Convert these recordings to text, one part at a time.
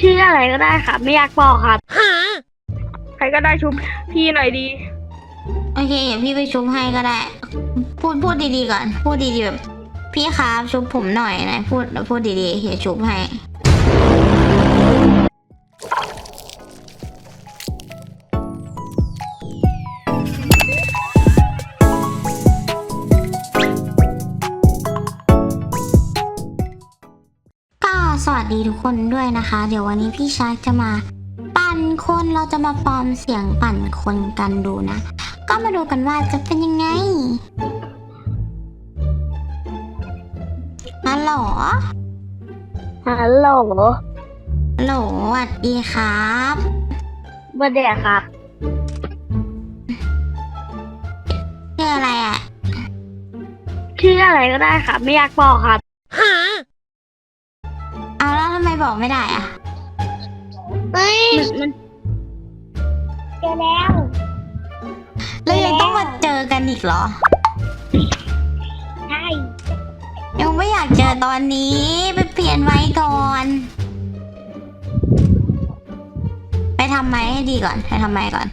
ชื่ออะไรก็ได้ครับไม่อยากบอกครับใครก็ได้ชุบพี่หน่อยดีโอเคเดี๋ยวพี่ไปชุบให้ก็ได้ พูดดีๆก่อน พูดดีๆแบบพี่ครับชุบผมหน่อยนะพูดดีๆเดี๋ยวชุบให้ก็สวัสดีทุกคนด้วยนะคะ เดี๋ยววันนี้พี่ชาร์กจะมาปั่นคนเราจะมาปลอมเสียงปั่นคนกันดูนะ ก็มาดูกันว่าจะเป็นยังไงฮัลโหลฮัลโหลฮัลโหลสวัสดีครับบันเดียครับชื่ออะไรอ่ะชื่ออะไรก็ได้ครับไม่อยากบอกครับเอาแล้วทำไมบอกไม่ได้อ่ะเฮ้ยมันเจอแล้วแล้วยังต้องมาเจอกันอีกเหรอใช่ยังไม่อยากเจอตอนนี้ไปเปลี่ยนไว้ก่อน ไปทำไมให้ดีก่อนไปทำไมก่อน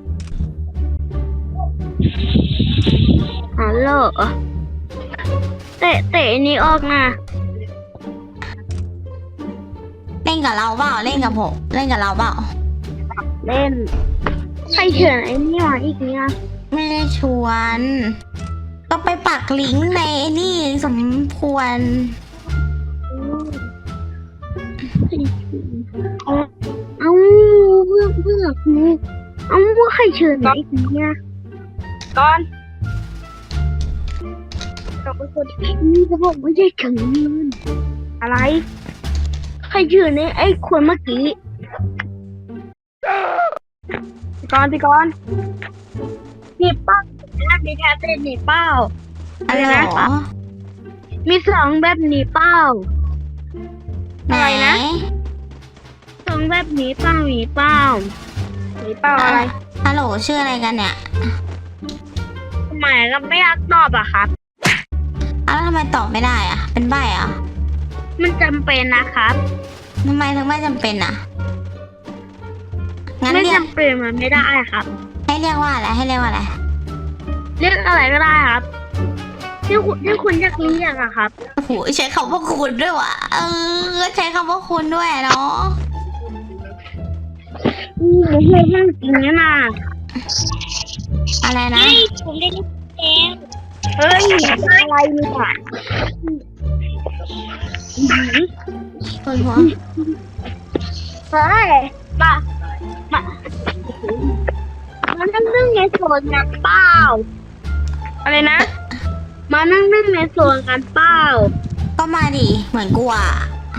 ฮัลโหลเตะนี่ออกนะเล่นกับเราเปล่าเล่นกับผมเล่นกับเราเปล่าเล่นใครเชิญไอ้นี่มาอีกเนี่ยไม่ได้ชวน ก็ไปปักลิงก์ในนี่สมควรเอาเพื่อกูเอาว่าใครเชิญไอ้คนเนี่ยก่อนเราเป็นคนนี่จะบอกไม่ใช่เชิญอะไรใครเชิญไอ้คนเมื่อกี้พี่กอนมีเป้ามีแค่เต้นมีเป้าอะไรนะมีสองแบบนี้เป้า อะไรนะ สองแบบนี้เป้ามีเป้ามีเป้าอะไรฮัลโหลชื่ออะไรกันเนี่ยทำไมก็ไม่อยากตอบอะครับแล้วทำไมตอบไม่ได้อ่ะ เป็นใบ้อ่ะมันจำเป็นนะครับทำไมถึงไม่จำเป็นอ่ะ งั้นไม่เรียกจำเป็นมันไม่ได้ครับให้เรียกว่าอะไรให้เรียกว่าอะไรเรียกอะไรก็ได้ครับที่คุณอยากเรียกอะครับโอ้โหใช้คำว่าคุณด้วยว่ะใช้คำว่าคุณด้วยเนาะไม่ใช่เรื่องจริงนะอะไรนะผมได้ยินแล้วเฮ้ยอะไรเนี่ยคนหัวเฮ้ยมานั่งนึ่งในโซนกันเปล่าอะไรนะ มานั่งในโซนกันเปล่าก็มาดิเหมือนกูอ่ะ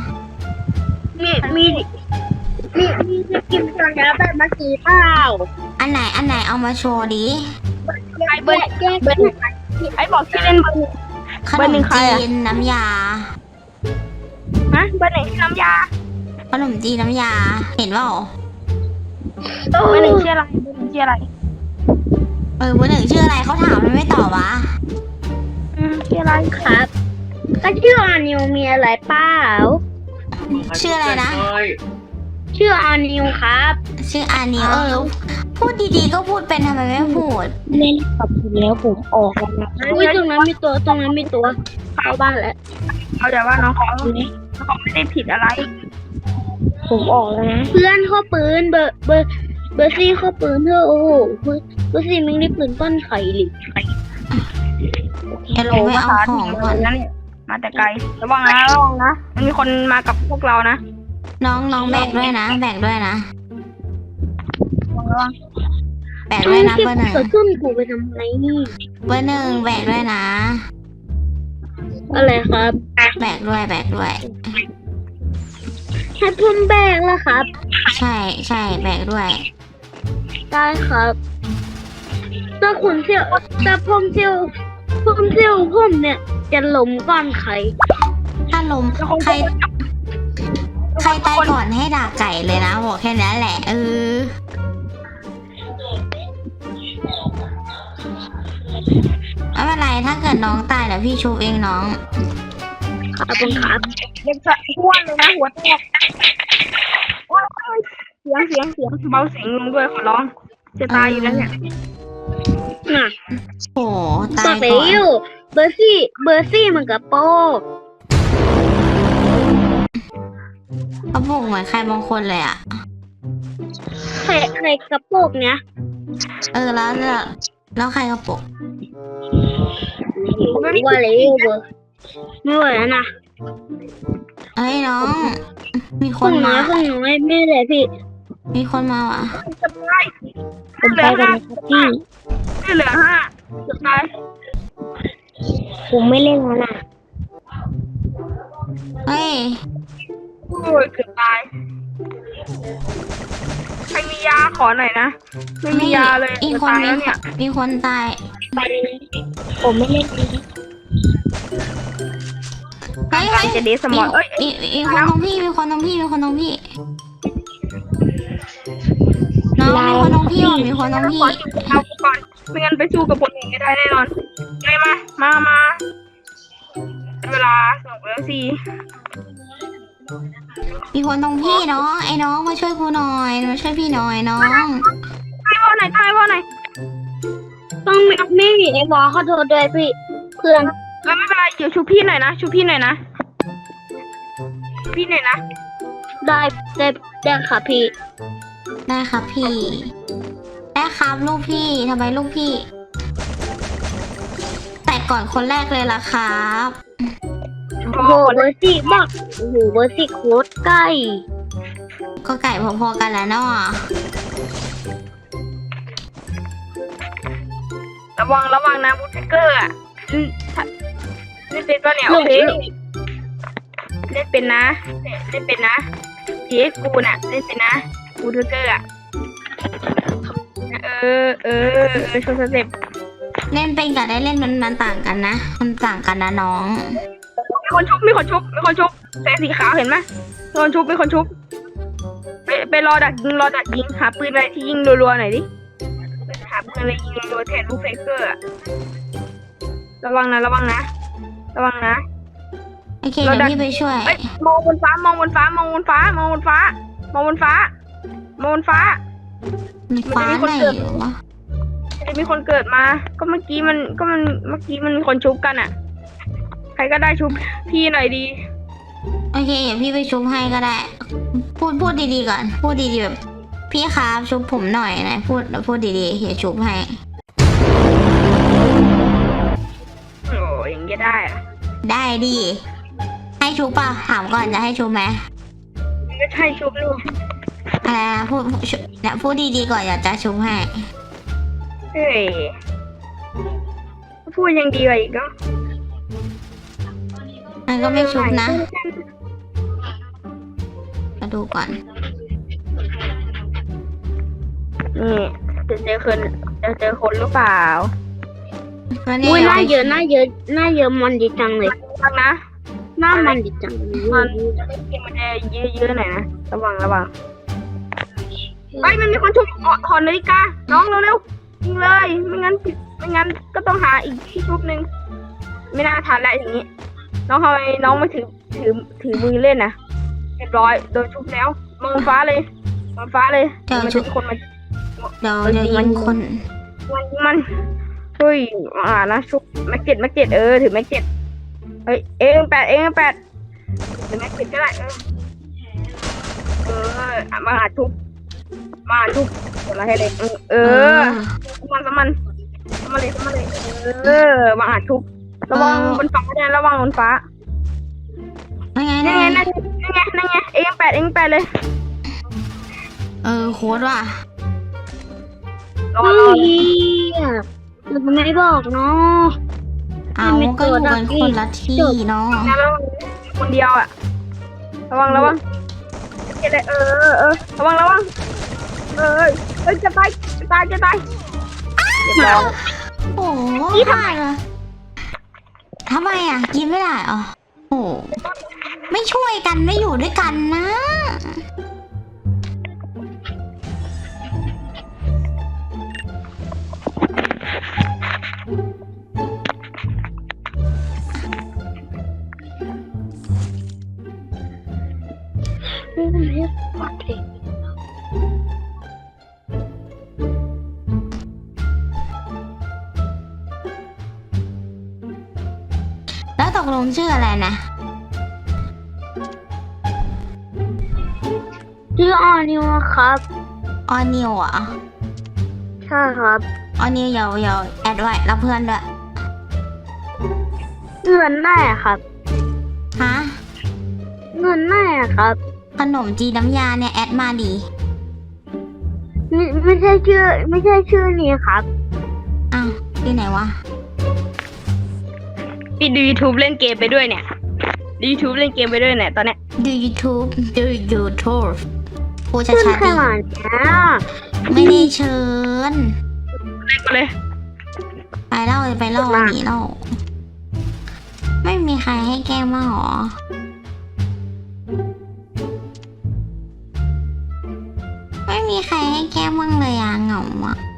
มีจะกินกันแล้วแบบเมื่อกี้เปล่าอันไหนเอามาโชว์ดิไอ้เบอร์ไอ้บอกที่เล่นเบอร์ขเบนอร์หนึ่มงใครจีอะนน้ำยาฮะเบอร์หนึ่งน้ำยาขนมจีนน้ำยา เห็นเปล่าเบอร์หนึ่งชื่ออะไรเบอร์หนึ่งชื่ออะไรเบอร์หนึ่งชื่ออะไรเขาถามมันไม่ตอบวะชื่ออะไรครับก็ชื่ออานิวมีอะไรเปล่าชื่ออะไรนะชื่ออานิวครับชื่ออานิวพูดดีๆก็พูดเป็นทำไมไม่พูดเล่นกับคุณแล้วผมออกแล้วนะตรงนั้นมีตัวเข้าบ้านแล้วเอาแต่ว่าน้องเขาไม่ได้ผิดอะไรผมออกแล้วนะเพื่อนข้อปืนเบอร์ซี่ข้อปืนเธอโอ้โหเบอร์ซี่มึงได้ปืนต้นไข่หรืออย่าลงไปเอาของก่อนนั่นมาแต่ไกลระวังนะมันมีคนมากับพวกเรานะน้องแบกด้วยนะแบกด้วยนะระวังแบกด้วยนะเบอร์หนึ่งเกิดขึ้นกูไปทำไมนี่เบอร์หนึ่งแบกด้วยนะอะไรครับแบกด้วยให้ผมแบกแล้วครับใช่แบกด้วยได้ครับถ้าคุณเที่ยวถ้าผมเที่ยวผมเนี่ยจะล้มก่อนใครถ้าลมใครตายก่อนให้ด่าไก่เลยนะบอกแค่นั้นแหละไม่เป็นไรถ้าเกิดน้องตายเดี๋ยวพี่ชูเองน้องขอบคุณครับเด็กสะอ้วนเลยนะหัวแตกเบาเสียงลงด้วยขอร้องจะตายอยู่แล้วเนี่ยน่ะโอ้ตาตัยว ก่อนเอวเบอร์ซี่มันกับโป๊กเขาบอกเหมือนใครบางคนเลยอ่ะใครกระโปกเนี้ยแล้วใครกระปุกว่าเลยเบอร์ไม่ไหวแล้วนะเอ้ยน้อง มีคห้อน งน้มาอยไม่เลยพี่มีคนมาว่ะผมไปกันนะครับพี่ไม่เหลือ5จะตายผมไม่เล่นแล้วนะเฮ้ยโอ้ยเกือบตายใครมียาขอหน่อยนะไม่มียาเลยอีกจะคนตายแล้วเนี่ยมีคนตายไปผมไม่เล่นนี้เฮ้ยจะเดสมอนเอ้ยมีคนตรงพี่ มีคนตรงพี่ น้องมีคนตรงพี่ว่ะมีคนตรงพี่ขอจุดเอาก่อนไม่งั้นไปสู้กับคนอื่นไม่ได้แน่นอนไงมาเวลาสนุกแล้วสิมีคนตรงพี่น้องไอ้น้องมาช่วยกูหน่อยมาช่วยพี่หน่อยน้องใครว่าไหนต้องไม่มีไอ้บอขอโทษด้วยพี่เพื่อนไม่เป็นไรเดี๋ยวชูพี่หน่อยนะพี่หน่อยนะได้ค่ะพี่ได้ครับพี่ ได้ครับลูกพี่ทำไมลูกพี่ แต่ก่อนคนแรกเลยล่ะครับโอ้โหเบอร์ซี่มากโอ้โหเบอร์ซี่โคตรใกล้ก็ไก่พอๆกันแล้วเนาะระวังนะบูทเกอร์อ่ะเล่นเป็นปะเนี่ยโอเคเล่นเป็นนะเจ๊กูน่ะเล่นเป็นนะบูทเกอร์อ่ะโชว์สเต็ปเล่นเป็นกับได้เล่นมันต่างกันนะมันต่างกันนะน้องมีคนชุบแสงสีขาวเห็นไหมมีคนชุบไปรอดักยิงหาปืนอะไรที่ยิงรัวๆหน่อยดิหาปืนอะไรยิงรัวๆแทนลูกเฟเกอร์ระวังนะโอเคเดี๋ยวพี่ไปช่วยมองบนฟ้ามีฟ้าไหนหรอวะจะมีคนเกิดมาก็เมื่อกี้มันมีคนชุบกันอ่ะใครก็ได้ชุบพี่หน่อยดีโอเคเดี๋ยวพี่ไปชุบให้ก็ได้ พูดดีๆก่อนพูดดีๆแบบพี่ครับชุบผมหน่อยนะพูดดีๆเดี๋ยวชุบให้โอ้ยอย่างเงี้ยได้อะได้ดิให้ชุบป่ะถามก่อนจะให้ชุบไหมไม่ใช่ชุบลูกอะไรนะพูดดีๆก่อนอยากจะชุบให้เฮ้ยพูดยังดีกว่าอีกก็มันก็ไม่ชุบนะมาดูก่อนนี่จะเจอคนหรือเปล่าก็นี่อุ้ยหน้าเยอะมันดีจังเลยฟังนะหน้ามันดีจังมันจะเยอะหน่อยนะระวังไปมันมีคนชุบถอนนาฬิกาน้องเร็วยิงเลยไม่งั้นก็ต้องหาอีกที่ชุบหนึ่งไม่น่าทันแล้วอย่างนี้น้องทำไมน้องไม่ถือมือเล่นนะเรียบร้อยโดนชุบแล้วมองฟ้าเลยมันจะมีคนมาเดี๋ยวยิงคนมันเฮ้ยนะชุบแม็กเก็ตถือแม็กเก็ตเฮ้ยเอ็งแปดถือแม็กเก็ตก็ได้มาหาชุบอะไรให้เลยมันเลยมาหาชุบระวังบนฟ้าเนี่ยระวังบนฟ้านั่นไงเอ็งแปดเลยโค้ดว่ะรอมันไม่บอกเนาะเอาก็อยู่กันคนละที่เนาะแล้วคนเดียวอ่ะระวังเก็บเลยระวังจะตายเรียบร้อยโอ้โหทำไมล่ะทำไมอ่ะกินไม่ได้อ๋อโอ้ไม่ช่วยกันไม่อยู่ด้วยกันนะงชื่ออะไรนะชื่อออนิวครับออนิวเหรอใช่ครับออนิวอย่าแอดไว้แล้วเพื่อนด้วยเงินแน่ครับฮะเงินแน่ครับขนมจีนน้ำยาเนี่ยแอดมาดีไม่ใช่ชื่อนี้ครับอ้าวที่ไหนวะพี่ดู YouTube เล่นเกมไปด้วยเนี่ยดู YouTube เล่นเกมไปด้วยเนี่ยตอนเนี้ยดู YouTube ดู YouTube พูดขึ้นชัดๆขดินาดเนี้ยไม่ได้เชิญเล่นมาเลยไปเล่าเลยไปเล่าอันนี้เล่าไม่มีใครให้แก้มบ้างหรอ ไม่มีใครให้แก้มบ้างเลยอะเหงาอะ